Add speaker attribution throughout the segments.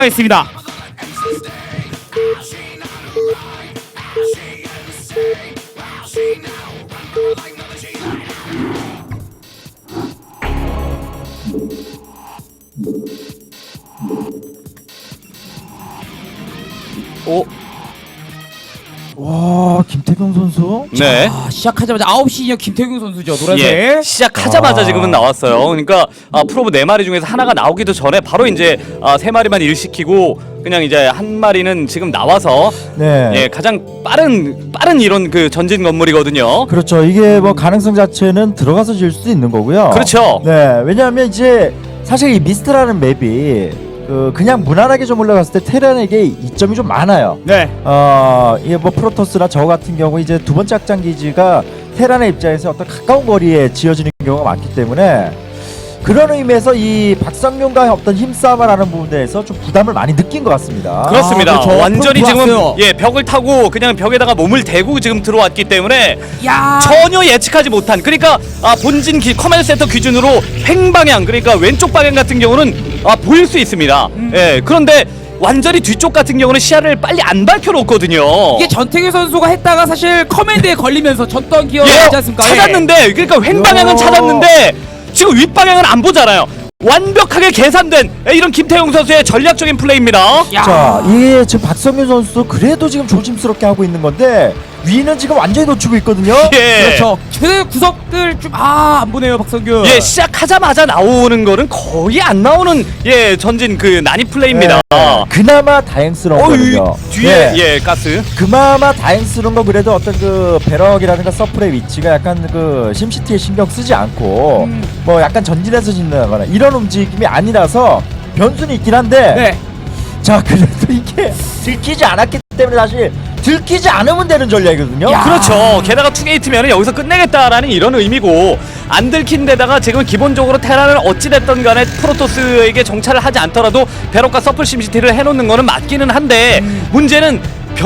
Speaker 1: 있습니다.
Speaker 2: 오,
Speaker 3: 와, 김태경 선수?
Speaker 2: 네.
Speaker 1: 시작하자마자 9시 인형 김태균 선수죠. 노란색.
Speaker 2: 예, 시작하자마자 지금은 나왔어요. 그러니까 프로브 4마리 중에서 하나가 나오기도 전에 바로 이제 3마리만 일시키고 그냥 이제 한 마리는 지금 나와서
Speaker 3: 네.
Speaker 2: 예, 가장 빠른 이런 그 전진 건물이거든요.
Speaker 3: 그렇죠. 이게 뭐 가능성 자체는 들어가서 질 수도 있는 거고요.
Speaker 2: 그렇죠.
Speaker 3: 네. 왜냐하면 이제 사실 이 미스트라는 맵이 그냥 무난하게 좀 올라갔을 때 테란에게 이점이 좀 많아요.
Speaker 1: 네.
Speaker 3: 이게 뭐 프로토스나 저 같은 경우 이제 두 번째 확장 기지가 테란의 입장에서 어떤 가까운 거리에 지어지는 경우가 많기 때문에 그런 의미에서 이 박성균과 어떤 힘싸움을 하는 부분에서 좀 부담을 많이 느낀 것 같습니다.
Speaker 2: 그렇습니다.
Speaker 1: 그렇죠.
Speaker 2: 완전히 지금
Speaker 1: 들어왔어요.
Speaker 2: 예, 벽을 타고 그냥 벽에다가 몸을 대고 지금 들어왔기 때문에
Speaker 1: 야.
Speaker 2: 전혀 예측하지 못한, 그러니까 본진 커맨드 센터 기준으로 횡방향, 그러니까 왼쪽 방향 같은 경우는 보일 수 있습니다. 예, 그런데 완전히 뒤쪽 같은 경우는 시야를 빨리 안 밝혀놓거든요.
Speaker 1: 이게 전태규 선수가 했다가 사실 커맨드에 걸리면서 졌던 기억이
Speaker 2: 예,
Speaker 1: 있지 않습니까?
Speaker 2: 찾았는데, 그러니까 횡방향은
Speaker 3: 요.
Speaker 2: 찾았는데 지금 윗방향은 안 보잖아요. 완벽하게 계산된 이런 김태용 선수의 전략적인 플레이입니다.
Speaker 1: 야.
Speaker 3: 자, 이게 지금 박성균 선수도 그래도 지금 조심스럽게 하고 있는 건데 위는 지금 완전히 놓치고 있거든요.
Speaker 2: 예.
Speaker 1: 그렇죠. 최대 구석들 좀 안 보네요, 박성균.
Speaker 2: 예, 시작하자마자 나오는 거는 거의 안 나오는 예, 전진 그 난입 플레이입니다.
Speaker 3: 그나마 다행스러운 거든요.
Speaker 2: 뒤에 예, 가스.
Speaker 3: 그나마 다행스러운 건 그래도 어떤 그 배럭이라든가 서플의 위치가 약간 그 심시티에 신경 쓰지 않고 뭐 약간 전진해서 짓는다거나 이런 움직임이 아니라서 변수는 있긴 한데
Speaker 1: 네.
Speaker 3: 자, 그래도 이게 들키지 않았기 때문에 사실 들키지 않으면 되는 전략이거든요.
Speaker 1: 야.
Speaker 2: 그렇죠. 게다가 투게이트면 여기서 끝내겠다라는 이런 의미고, 안 들킨 데다가 지금 기본적으로 테란을 어찌됐든 간에 프로토스에게 정찰을 하지 않더라도 베럭과 서플 심시티를 해놓는 거는 맞기는 한데 문제는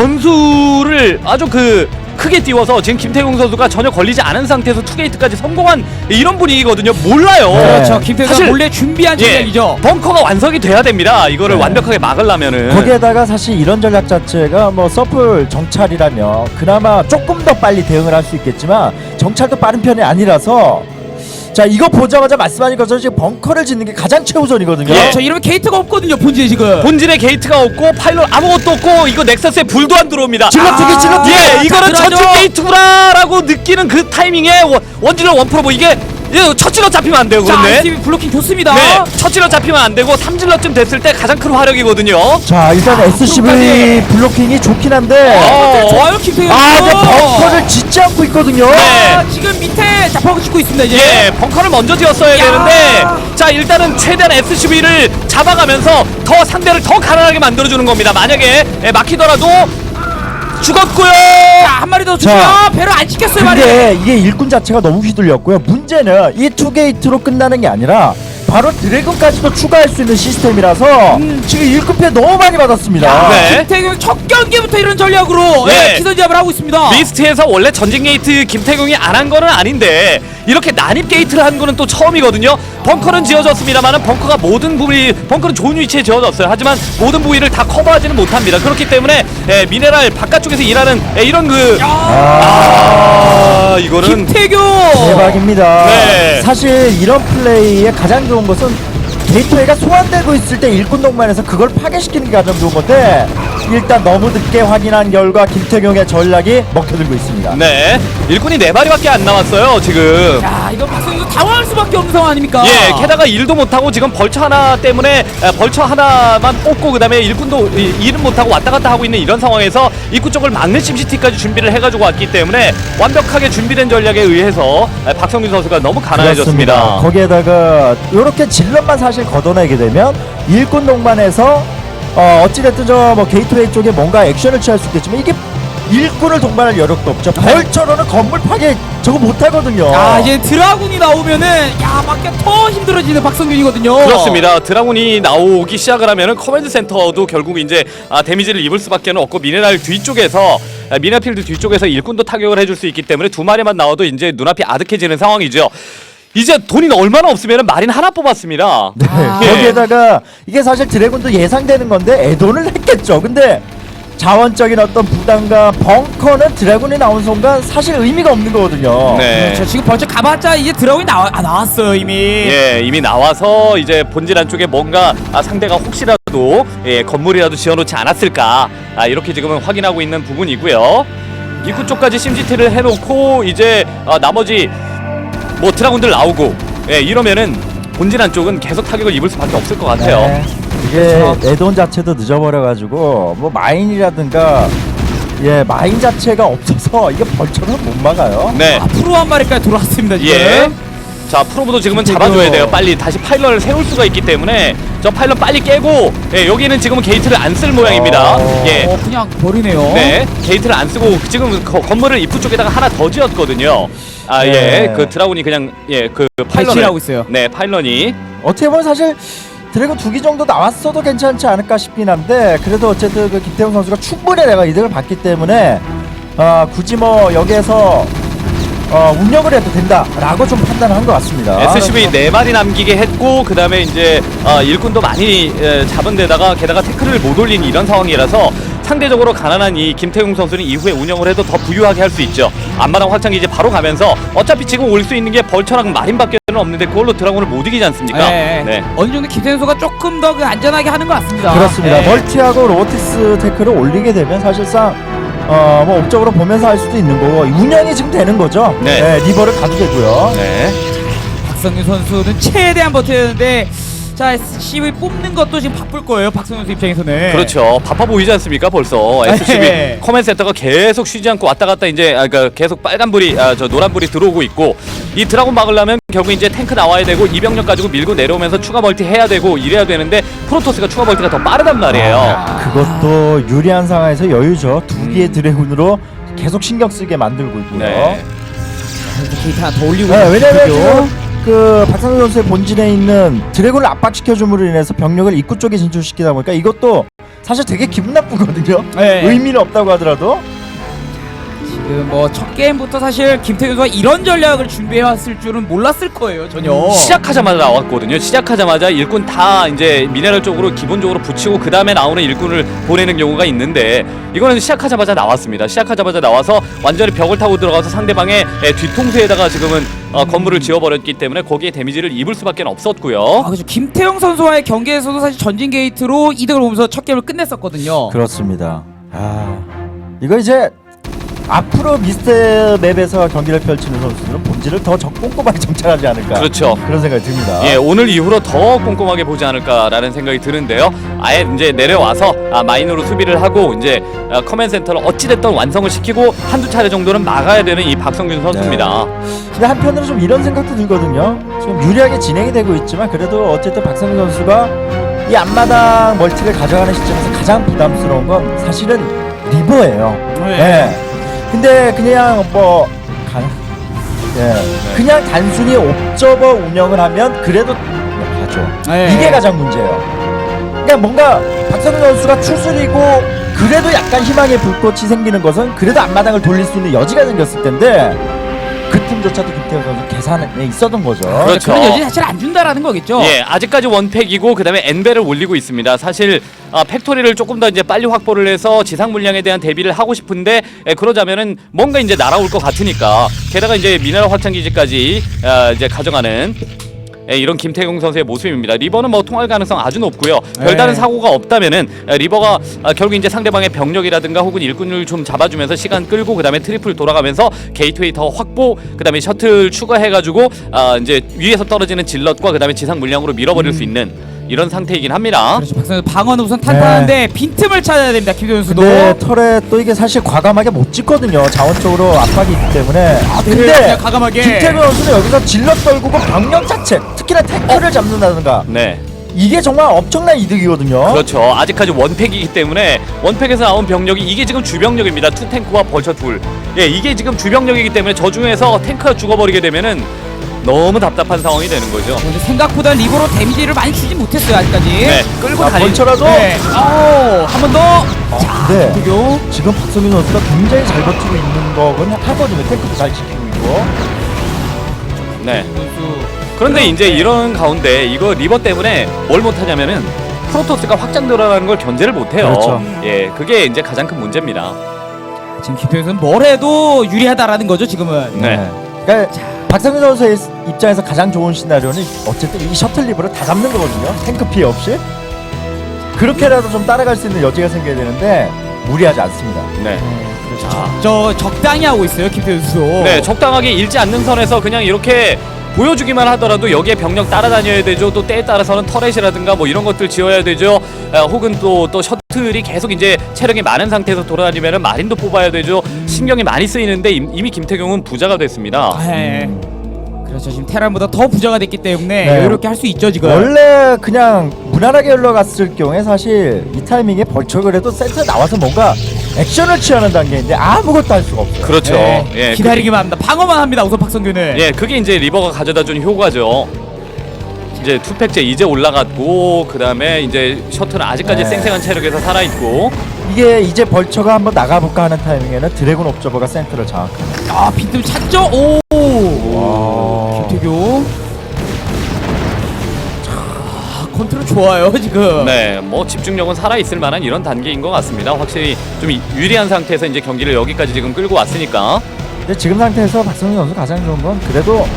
Speaker 2: 변수를 아주 크게 띄워서 지금 김태용 선수가 전혀 걸리지 않은 상태에서 투게이트까지 성공한 이런 분위기거든요. 몰라요.
Speaker 1: 그렇죠. 김태균
Speaker 2: 사실
Speaker 1: 몰래 준비한
Speaker 2: 예,
Speaker 1: 전략이죠.
Speaker 2: 벙커가 완성이 돼야 됩니다. 이거를
Speaker 3: 네.
Speaker 2: 완벽하게 막으려면은.
Speaker 3: 거기에다가 사실 이런 전략 자체가 뭐 서플 정찰이라면 그나마 조금 더 빨리 대응을 할 수 있겠지만 정찰도 빠른 편이 아니라서 자, 이거 보자마자 말씀하신 것처럼 지금 벙커를 짓는 게 가장 최우선이거든요.
Speaker 2: 예.
Speaker 1: 그렇죠. 이러면 게이트가 없거든요, 본진에 지금.
Speaker 2: 본진에 게이트가 없고 파일럿 아무것도 없고 이거 넥서스에 불도 안 들어옵니다.
Speaker 3: 질러트기 질러트기.
Speaker 2: 예, 이거는
Speaker 1: 들어가죠.
Speaker 2: 전진 게이트구나라고 느끼는 그 타이밍에 원질러 원프로브 이게 첫 질러 잡히면 안 돼요.
Speaker 1: 자,
Speaker 2: 그런데
Speaker 1: ICB 블로킹 좋습니다.
Speaker 2: 네, 첫 질러 잡히면 안 되고 3질러쯤 됐을 때 가장 큰 화력이거든요.
Speaker 3: 자, 일단 SCV
Speaker 1: 끝까지.
Speaker 3: 블로킹이 좋긴 한데
Speaker 1: 좋아요, 김태균.
Speaker 3: 근데 벙커를 짓지 않고 있거든요.
Speaker 2: 네.
Speaker 1: 지금 밑에 자퍼가 짓고 있습니다, 이제.
Speaker 2: 예, 벙커를 먼저 지었어야
Speaker 1: 야.
Speaker 2: 되는데 자, 일단은 최대한 SCV를 잡아가면서 더 상대를 더 가난하게 만들어주는 겁니다. 만약에 막히더라도 죽었고요.
Speaker 1: 자, 한 마리 더
Speaker 3: 자.
Speaker 1: 주죠. 배로 안 시켰어요, 말이.
Speaker 3: 근데 이게 일꾼 자체가 너무 휘둘렸고요. 문제는 이 투게이트로 끝나는 게 아니라 바로 드래곤까지도 추가할 수 있는 시스템이라서 지금 일꾼 피해 너무 많이 받았습니다.
Speaker 2: 네.
Speaker 1: 김태균 첫 경기부터 이런 전략으로
Speaker 2: 네.
Speaker 1: 기선제압을 하고 있습니다.
Speaker 2: 리스트에서 원래 전진 게이트 김태경이 안 한 거는 아닌데 이렇게 난입 게이트를 한 거는 또 처음이거든요. 벙커는 지어졌습니다만은 벙커가 모든 부위, 벙커는 좋은 위치에 지어졌어요. 하지만 모든 부위를 다 커버하지는 못합니다. 그렇기 때문에 미네랄 바깥쪽에서 일하는 이런 이거는
Speaker 1: 김태균.
Speaker 3: 대박입니다.
Speaker 2: 네.
Speaker 3: 사실 이런 플레이의 가장 좋은 것은 게이트웨이가 소환되고 있을 때 일꾼 동반해서 그걸 파괴시키는 게 가장 좋은 건데 일단 너무 늦게 확인한 결과 김태경의 전략이 먹혀들고 있습니다.
Speaker 2: 네, 일꾼이 4마리밖에 안 남았어요 지금.
Speaker 1: 야, 이거 박성준 당황할 수밖에 없는 상황 아닙니까?
Speaker 2: 예, 게다가 일도 못하고 지금 벌처 하나 때문에 벌처 하나만 뽑고 그 다음에 일꾼도 일은 못하고 왔다 갔다 하고 있는 이런 상황에서 입구 쪽을 막는 심시티까지 준비를 해가지고 왔기 때문에 완벽하게 준비된 전략에 의해서 박성균 선수가 너무 가난해졌습니다.
Speaker 3: 그렇습니다. 거기에다가 이렇게 질럿만 사실 걷어내게 되면 일꾼 동반해서 어찌됐든 저 뭐 게이트웨이 쪽에 뭔가 액션을 취할 수 있겠지만 이게 일꾼을 동반할 여력도 없죠. 벌처로는 건물 파괴 저거 못하거든요.
Speaker 1: 아, 이제 드라군이 나오면은 야, 막기 더 힘들어지는 박성균이거든요.
Speaker 2: 그렇습니다. 드라군이 나오기 시작을 하면은 커맨드 센터도 결국 이제 데미지를 입을 수밖에 없고 미네랄 뒤쪽에서 미네필드 뒤쪽에서 일꾼도 타격을 해줄 수 있기 때문에 2마리만 나와도 이제 눈앞이 아득해지는 상황이죠. 이제 돈이 얼마나 없으면 마린 하나 뽑았습니다.
Speaker 3: 네.
Speaker 2: 예.
Speaker 3: 거기에다가 이게 사실 드래곤도 예상되는 건데 애돈을 했겠죠. 근데 자원적인 어떤 부담과 벙커는 드래곤이 나온 순간 사실 의미가 없는 거거든요.
Speaker 2: 네.
Speaker 1: 그렇죠. 지금 벌써 가봤자 이제 드라곤이 나왔어요 이미.
Speaker 2: 예, 이미 나와서 이제 본질 안쪽에 뭔가 상대가 혹시라도 건물이라도 지어놓지 않았을까 이렇게 지금은 확인하고 있는 부분이고요. 입구 쪽까지 심지티를 해놓고 이제 나머지 뭐 드라군들 나오고 이러면은 본질 안쪽은 계속 타격을 입을 수밖에 없을 것 같아요.
Speaker 3: 네. 이게 애돈 자체도 늦어버려가지고 뭐 마인이라든가 마인 자체가 없어서 이게 벌처는 못 막아요.
Speaker 2: 네.
Speaker 1: 프로 한 마리까지 돌아왔습니다 지금.
Speaker 2: 예. 자, 프로브도 지금은 잡아줘야 돼요. 빨리 다시 파일런을 세울 수가 있기 때문에 저 파일런 빨리 깨고 여기는 지금은 게이트를 안 쓸 모양입니다. 예.
Speaker 1: 그냥 버리네요.
Speaker 2: 네, 게이트를 안 쓰고 지금 건물을 입구 쪽에다가 하나 더 지었거든요.
Speaker 3: 네.
Speaker 2: 그 드라군이 그냥 그 파일런을
Speaker 1: 배치하고 있어요.
Speaker 2: 네, 파일런이
Speaker 3: 어떻게 보면 사실 드래곤 2기 정도 나왔어도 괜찮지 않을까 싶긴 한데 그래도 어쨌든 그 김태형 선수가 충분히 내가 이득을 봤기 때문에 굳이 뭐 여기에서 운영을 해도 된다라고 좀 판단한 것 같습니다.
Speaker 2: SCV 4마리 남기게 했고 그 다음에 이제 일꾼도 많이 잡은 데다가 게다가 태클을 못 올린 이런 상황이라서 상대적으로 가난한 이 김태용 선수는 이후에 운영을 해도 더 부유하게 할 수 있죠. 앞마당 확장기지 바로 가면서 어차피 지금 올 수 있는 게 벌처랑 마린밖에 없는데 그걸로 드라곤을 못 이기지 않습니까?
Speaker 1: 네. 어느 정도 김태현 선수가 조금 더 그 안전하게 하는 것 같습니다.
Speaker 3: 그렇습니다.
Speaker 1: 네.
Speaker 3: 멀티하고 로보티스 태클을 올리게 되면 사실상 뭐 업적으로 보면서 할 수도 있는 거고 운영이 지금 되는 거죠.
Speaker 2: 네.
Speaker 3: 리버를 가도 되고요.
Speaker 2: 네.
Speaker 1: 박성윤 선수는 최대한 버텨야 되는데 자 SCV 뽑는 것도 지금 바쁠 거예요. 박성윤 선수 입장에서는.
Speaker 2: 그렇죠. 바빠 보이지 않습니까? 벌써 SCV
Speaker 1: 네.
Speaker 2: 커맨 센터가 계속 쉬지 않고 왔다 갔다 이제 그러니까 계속 빨간불이 저 노란불이 들어오고 있고 이 드라곤 막으려면 결국 이제 탱크 나와야 되고 이병력 가지고 밀고 내려오면서 추가 멀티 해야 되고 이래야 되는데 프로토스가 추가 멀티가 더 빠르단 말이에요.
Speaker 3: 그것도 유리한 상황에서 여유죠. 2기의 드래곤으로 계속 신경 쓰게 만들고 있고요.
Speaker 2: 네.
Speaker 1: 게이트 하나 더 올리고
Speaker 3: 네, 왜냐면
Speaker 1: 있고요.
Speaker 3: 지금 그 박상현 선수의 본진에 있는 드래곤을 압박시켜줌으로 인해서 병력을 입구 쪽에 진출시키다 보니까 이것도 사실 되게 기분 나쁘거든요.
Speaker 1: 네.
Speaker 3: 의미는 없다고 하더라도.
Speaker 1: 지금 뭐 첫 게임부터 사실 김태균 선수가 이런 전략을 준비해왔을 줄은 몰랐을 거예요 전혀.
Speaker 2: 시작하자마자 나왔거든요. 시작하자마자 일꾼 다 이제 미네랄 쪽으로 기본적으로 붙이고 그 다음에 나오는 일꾼을 보내는 경우가 있는데 이거는 시작하자마자 나왔습니다. 시작하자마자 나와서 완전히 벽을 타고 들어가서 상대방의 뒤통수에다가 지금은 건물을 지어버렸기 때문에 거기에 데미지를 입을 수밖에 없었고요.
Speaker 1: 그렇죠. 김태형 선수와의 경기에서도 사실 전진 게이트로 이득을 보면서 첫 게임을 끝냈었거든요.
Speaker 3: 그렇습니다. 이거 이제 앞으로 미스터 맵에서 경기를 펼치는 선수들은 본질을 더 꼼꼼하게 정찰하지 않을까.
Speaker 2: 그렇죠.
Speaker 3: 그런 생각이 듭니다.
Speaker 2: 예, 오늘 이후로 더 꼼꼼하게 보지 않을까라는 생각이 드는데요. 아예 이제 내려와서 마인으로 수비를 하고 이제 커맨 센터를 어찌됐든 완성을 시키고 한두 차례 정도는 막아야 되는 이 박성균 선수입니다.
Speaker 3: 근데 한편으로 좀 이런 생각도 들거든요. 지금 유리하게 진행이 되고 있지만 그래도 어쨌든 박성균 선수가 이 앞마당 멀티를 가져가는 시점에서 가장 부담스러운 건 사실은 리버예요.
Speaker 1: 네.
Speaker 3: 근데 그냥 그냥 단순히 옵저버 운영을 하면 그래도 가죠.
Speaker 1: 네.
Speaker 3: 이게 가장 문제예요. 그러니까 뭔가 박성균 선수가 추스리고 그래도 약간 희망의 불꽃이 생기는 것은 그래도 앞마당을 돌릴 수 있는 여지가 생겼을 텐데 그 틈조차도 김태형 선수 계산에 있었던 거죠.
Speaker 2: 그렇죠.
Speaker 1: 그런 여지 사실 안 준다라는 거겠죠.
Speaker 2: 예, 아직까지 원팩이고 그다음에 엔벨을 올리고 있습니다. 사실 팩토리를 조금 더 이제 빨리 확보를 해서 지상 물량에 대한 대비를 하고 싶은데 그러자면은 뭔가 이제 날아올 것 같으니까 게다가 이제 미네랄 확장 기지까지 이제 가져가는 이런 김태경 선수의 모습입니다. 리버는 뭐 통할 가능성 아주 높고요. 별다른 사고가 없다면은 리버가 결국 이제 상대방의 병력이라든가 혹은 일꾼을 좀 잡아주면서 시간 끌고 그다음에 트리플 돌아가면서 게이트웨이 더 확보 그다음에 셔틀 추가해가지고 이제 위에서 떨어지는 질럿과 그다음에 지상 물량으로 밀어버릴 수 있는 이런 상태이긴 합니다.
Speaker 1: 그렇죠. 박성현 방어는 우선 탄탄한데 빈틈을 찾아야 됩니다. 김태현 선수도.
Speaker 3: 근데 털에 또 이게 사실 과감하게 못 찍거든요. 자원적으로 압박이 있기 때문에.
Speaker 1: 근데
Speaker 3: 근데
Speaker 1: 과감하게.
Speaker 3: 김태균 선수는 여기서 질럿 떨구고 병력 자체, 특히나 탱크를 잡는다든가
Speaker 2: 네.
Speaker 3: 이게 정말 엄청난 이득이거든요.
Speaker 2: 그렇죠. 아직까지 원팩이기 때문에 원팩에서 나온 병력이 이게 지금 주병력입니다. 투탱크와 벌처 둘. 예, 이게 지금 주병력이기 때문에 저 중에서 탱크가 죽어버리게 되면은 너무 답답한 상황이 되는 거죠.
Speaker 1: 근데 생각보다 리버로 데미지를 많이 주지 못했어요 아직까지.
Speaker 2: 네, 끌고
Speaker 3: 자,
Speaker 2: 다니.
Speaker 3: 벌처라도
Speaker 1: 네. 한 번 더.
Speaker 3: 네.
Speaker 1: 김태균.
Speaker 3: 지금 박성민 선수가 굉장히 잘 버티고 있는 거긴 하거든요. 탱크도 잘 지키고 있고.
Speaker 2: 네.
Speaker 1: 선수.
Speaker 2: 그런데 이제 이런 가운데 이거 리버 때문에 뭘 못하냐면은 프로토스가 확장 들어가는 걸 견제를 못해요.
Speaker 3: 그렇죠.
Speaker 2: 예, 그게 이제 가장 큰 문제입니다.
Speaker 1: 지금 김태형 선수는 뭘 해도 유리하다라는 거죠 지금은.
Speaker 2: 네.
Speaker 3: 그러니까 박성균 선수의 입장에서 가장 좋은 시나리오는 어쨌든 이 셔틀 리버를 다 잡는 거거든요. 탱크 피해 없이. 그렇게라도 좀 따라갈 수 있는 여지가 생겨야 되는데 무리하지 않습니다.
Speaker 2: 네.
Speaker 1: 그렇죠. 저 적당히 하고 있어요 김태형 선수.
Speaker 2: 네, 적당하게 잃지 않는 선에서 그냥 이렇게 보여주기만 하더라도 여기에 병력 따라다녀야 되죠. 또 때에 따라서는 터렛이라든가 뭐 이런 것들 지어야 되죠. 혹은 또 셔틀이 계속 이제 체력이 많은 상태에서 돌아다니면은 마린도 뽑아야 되죠. 신경이 많이 쓰이는데 이미 김태경은 부자가 됐습니다.
Speaker 1: 네. 그렇죠. 지금 테란보다 더 부자가 됐기 때문에
Speaker 3: 네.
Speaker 1: 이렇게 할 수 있죠 지금.
Speaker 3: 원래 그냥 무난하게 흘러갔을 경우에 사실 이 타이밍에 벌초를 해도 센터 나와서 뭔가 액션을 취하는 단계인데 아무것도 할 수가 없어요.
Speaker 2: 그렇죠.
Speaker 1: 네.
Speaker 2: 예,
Speaker 1: 기다리기만 합니다. 방어만 합니다 우선 박성균은.
Speaker 2: 예, 그게 이제 리버가 가져다준 효과죠. 이제 투팩제 이제 올라갔고 그 다음에 이제 셔틀은 아직까지
Speaker 3: 네.
Speaker 2: 쌩쌩한 체력에서 살아있고.
Speaker 3: 이게 이제 벌처가 한번 나가볼까 하는 타이밍에는 드래곤 옵저버가 센터를 장악합니다.
Speaker 1: 아 빈틈 찾죠. 오. 김태경. 자 컨트롤 좋아요 지금.
Speaker 2: 네, 뭐 집중력은 살아있을 만한 이런 단계인 것 같습니다. 확실히 좀 유리한 상태에서 이제 경기를 여기까지 지금 끌고 왔으니까.
Speaker 3: 근데 지금 상태에서 박성균 선수 가장 좋은 건 그래도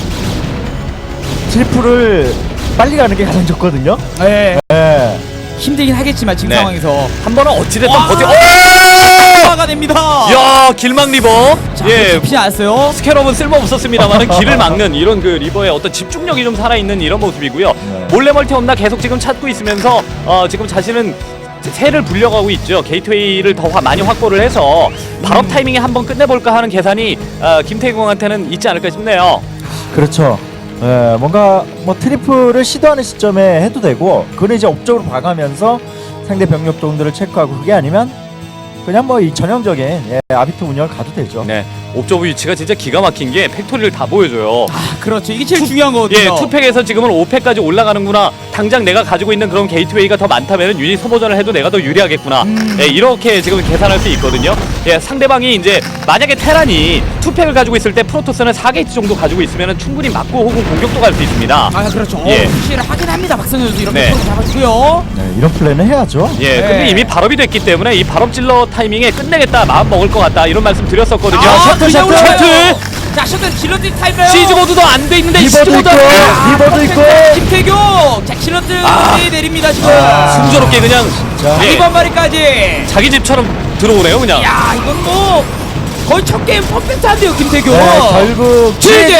Speaker 3: 트리플을 빨리 가는 게 가장 좋거든요.
Speaker 1: 네.
Speaker 3: 네.
Speaker 1: 힘들긴 하겠지만 지금
Speaker 2: 네.
Speaker 1: 상황에서
Speaker 2: 한 번은 어찌됐든
Speaker 1: 와!
Speaker 2: 버텨.
Speaker 1: 가 됩니다.
Speaker 2: 야, 길막 리버.
Speaker 1: 자,
Speaker 2: 예,
Speaker 1: 잡히지 않았어요.
Speaker 2: 스캐럽은 쓸모 없었습니다만은 길을 막는 이런 그 리버의 어떤 집중력이 좀 살아있는 이런 모습이고요.
Speaker 3: 네.
Speaker 2: 몰래 멀티 없나 계속 지금 찾고 있으면서 지금 자신은 새를 불려가고 있죠. 게이트웨이를 더 많이 확보를 해서 발업 타이밍에 한번 끝내볼까 하는 계산이 김태경한테는 있지 않을까 싶네요.
Speaker 3: 그렇죠. 예, 뭔가 뭐 트리플을 시도하는 시점에 해도 되고 그는 이제 업적으로 봐가면서 상대 병력 정도를 체크하고 그게 아니면 그냥 뭐 이 전형적인 아비트 운영을 가도 되죠.
Speaker 2: 네, 옵저브 위치가 진짜 기가 막힌 게 팩토리를 다 보여줘요.
Speaker 1: 아, 그렇죠. 이게 제일 중요한 거거든요.
Speaker 2: 예, 투팩에서 지금은 5팩까지 올라가는구나. 당장 내가 가지고 있는 그런 게이트웨이가 더 많다면 유닛 소모전을 해도 내가 더 유리하겠구나. 예, 이렇게 지금 계산할 수 있거든요. 예, 상대방이 이제 만약에 테란이 투팩을 가지고 있을 때 프로토스는 4게이트 정도 가지고 있으면 충분히 맞고 혹은 공격도 갈 수 있습니다.
Speaker 1: 아, 그렇죠.
Speaker 2: 예.
Speaker 1: 푸시를 하긴 합니다. 박성현 선수 이렇게
Speaker 2: 네.
Speaker 1: 프로 잡아주고요.
Speaker 3: 네, 이런 플레이는 해야죠.
Speaker 2: 예, 근데
Speaker 1: 네.
Speaker 2: 이미 발업이 됐기 때문에 이 발업 질러 타이밍에 끝내겠다, 마음 먹을 것 같다 이런 말씀 드렸었거든요.
Speaker 3: 셔틀,
Speaker 1: 그냥
Speaker 3: 셔틀!
Speaker 1: 올라가요. 자, 셔틀 질러들 타임이에요.
Speaker 2: 시즈 모드도 안 돼 있는데 시즈
Speaker 3: 리버도
Speaker 2: 모드
Speaker 3: 있고 리버도 있고
Speaker 1: 김태교. 자, 질러들 내립니다 지금.
Speaker 2: 순조롭게 그냥
Speaker 3: 자.
Speaker 2: 예,
Speaker 1: 이번 마리까지.
Speaker 2: 자기 집처럼 들어오네요, 그냥.
Speaker 1: 야, 이건 뭐 거의 첫 게임 퍼펙트한데요, 김태교.
Speaker 3: 네, 결국
Speaker 1: 지지.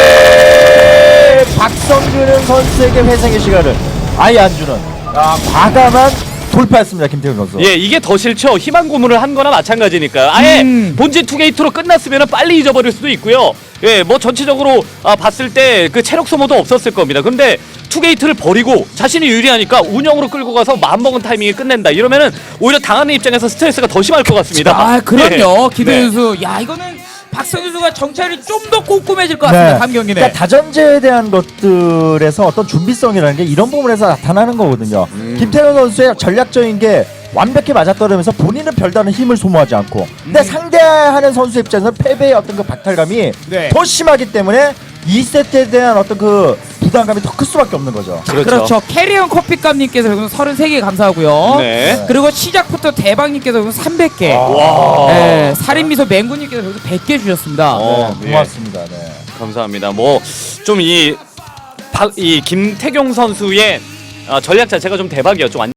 Speaker 3: 박성균은 선수에게 회생의 시간을 아예 안 주는 과감한 돌파했습니다. 김태균 선수.
Speaker 2: 예, 이게 더 싫죠. 희망 고문을 한 거나 마찬가지니까요. 아예 본진 투게이트로 끝났으면 빨리 잊어버릴 수도 있고요. 예, 뭐 전체적으로 봤을 때 그 체력 소모도 없었을 겁니다. 근데 투게이트를 버리고 자신이 유리하니까 운영으로 끌고 가서 마음먹은 타이밍에 끝낸다. 이러면은 오히려 당하는 입장에서 스트레스가 더 심할 것 같습니다.
Speaker 1: 아, 그럼요.
Speaker 2: 예.
Speaker 1: 기대
Speaker 2: 네.
Speaker 1: 선수. 야, 이거는 박성현 선수가 정찰이 좀 더 꼼꼼해질 것 같습니다. 다음 경기는.
Speaker 3: 그러니까 다전제에 대한 것들에서 어떤 준비성이라는 게 이런 부분에서 나타나는 거거든요. 김태균 선수의 전략적인 게 완벽히 맞아떨어면서 본인은 별다른 힘을 소모하지 않고 근데 상대하는 선수 입장에서는 패배의 어떤 그 박탈감이
Speaker 1: 네.
Speaker 3: 더 심하기 때문에 2세트에 대한 어떤 그 부담감이 더 클 수밖에 없는 거죠.
Speaker 1: 그렇죠. 캐리언 커피값님께서 33개 감사하고요.
Speaker 2: 네.
Speaker 1: 그리고 시작부터 대박님께서 300개.
Speaker 2: 와.
Speaker 1: 네, 살인미소 맹구님께서 100개 주셨습니다.
Speaker 3: 네, 고맙습니다. 네.
Speaker 2: 감사합니다. 뭐 좀 이 김태경 선수의 전략 자체가 좀 대박이었죠.